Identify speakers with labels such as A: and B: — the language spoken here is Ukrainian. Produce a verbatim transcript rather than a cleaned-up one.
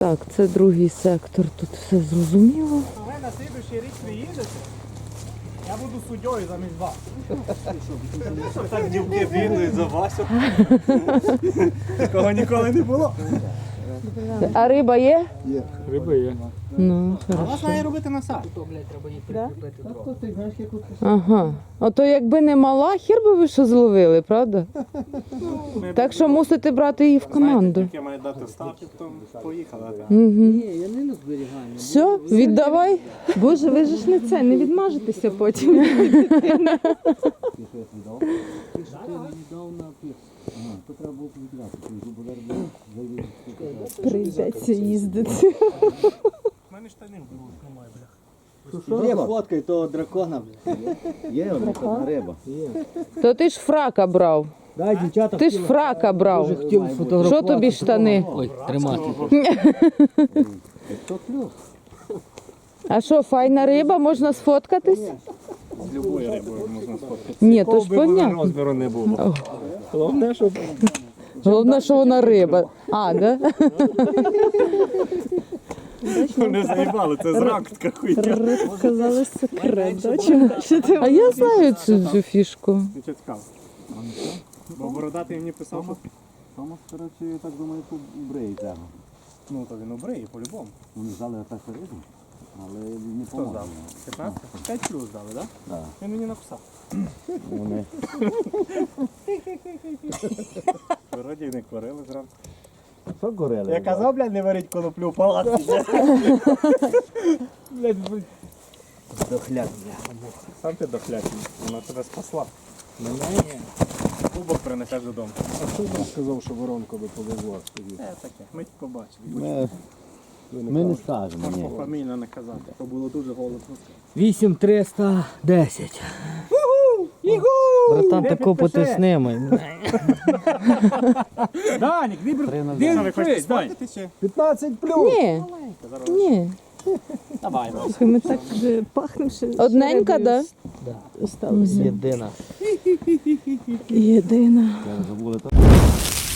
A: Так, це другий сектор, тут все зрозуміло.
B: Ви на слідуючий рік приїдете, я буду суддєю замість вас. Так дівки бігають за Васю. Такого ніколи не було.
A: А риба є?
B: Є. Риба є.
A: Ну,
B: А вас
A: хорошо.
B: має робити насад.
A: Ага. Ото якби не мала, хір би ви що зловили, правда? Так що мусите брати її в команду.
B: Тільки має дати старт, то поїхали.
A: Угу.
C: Ні, я не на зберігання.
A: Все, віддавай. Боже, ви ж не це, не відмажетеся потім.
C: Ти що ти мені дав на пір. Ага, то треба було віддати. Ти зубодар був, завів.
A: Прийдеться їздити.
B: У мене штанів немає, бля.
C: Є фоткай того дракона. Є одна риба.
A: То ти ж фрака брав.
C: Дай, дівчата,
A: Ти ж фрака брав.
C: хотів фотографувати.
A: Що тобі штани?
C: Ой, тримати. То плюс.
A: А що, файна риба, можна сфоткатись?
B: З любою рибою можна сфоткатися.
A: Ні, то ж понятно.
B: Розміру не було. Головне, щоб...
A: Головне, що вона риба. А, да?
B: Не заїбали, це зрак така хуйня.
A: Сказали секрет, А я знаю цю, цю фішку.
B: Нічого цікаво. Бо бородатий мені писав, що...
C: Тому, коротше, я так думаю, бреї треба.
B: Ну, то він обриє, по-любому.
C: Вони взяли так рибу, але не
B: Хто
C: помогли.
B: здав? п'ятнадцять? п'ять плюс дали, так?
C: Так.
B: Він мені написав.
C: Вони.
B: Вроді не курили зранку.
C: Що горели?
B: Я казав, блядь, не варіть коноплю в палаці. Блядь, будь.
C: Дохляк.
B: Сам ти дохлякий, вона тебе спасла.
C: Мене?
B: Кубок принесеш додому.
D: А хто нам сказав, що воронку би повезло?
B: Е, таке, ми побачили.
C: Ми, ми не скажемо, ні.
B: Фамільно не казати, то було дуже голосно.
C: вісім триста десять. Братан, тако потисни мене.
B: Данік, де ви хочете чи?
D: п'ятнадцять плюс!
A: Ні, ні.
B: Давай,
E: Слухай, ми так вже пахнемо, що...
A: Одненька, да?
E: Осталося.
C: Єдина.
E: Єдина.
C: Я забули.